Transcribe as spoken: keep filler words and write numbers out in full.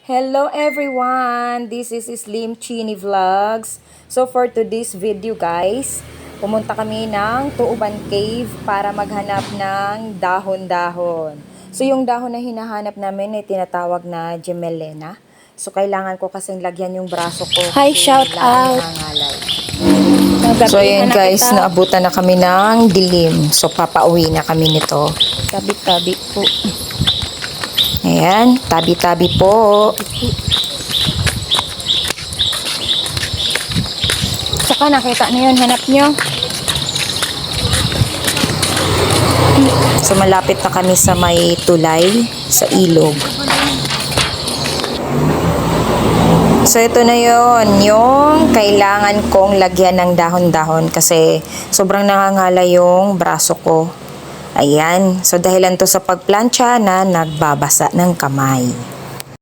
Hello everyone! This is Slim Chini Vlogs. So for today's video guys, pumunta kami ng Tuuban Cave para maghanap ng dahon-dahon. So yung dahon na hinahanap namin ay tinatawag na Gemelena. So kailangan ko kasing lagyan yung braso ko. Hi, shout out. So ayun guys, naabutan na kami ng dilim. So papauwi na kami nito. Tabi-tabi po. Ayan, tabi-tabi po. Saka nakita na yun, hanap nyo. So malapit na kami sa may tulay, sa ilog. So ito na yon, yung kailangan kong lagyan ng dahon-dahon kasi sobrang nangangala yung braso ko. Ayan, so dahilan to sa pagplancha na nagbabasa ng kamay.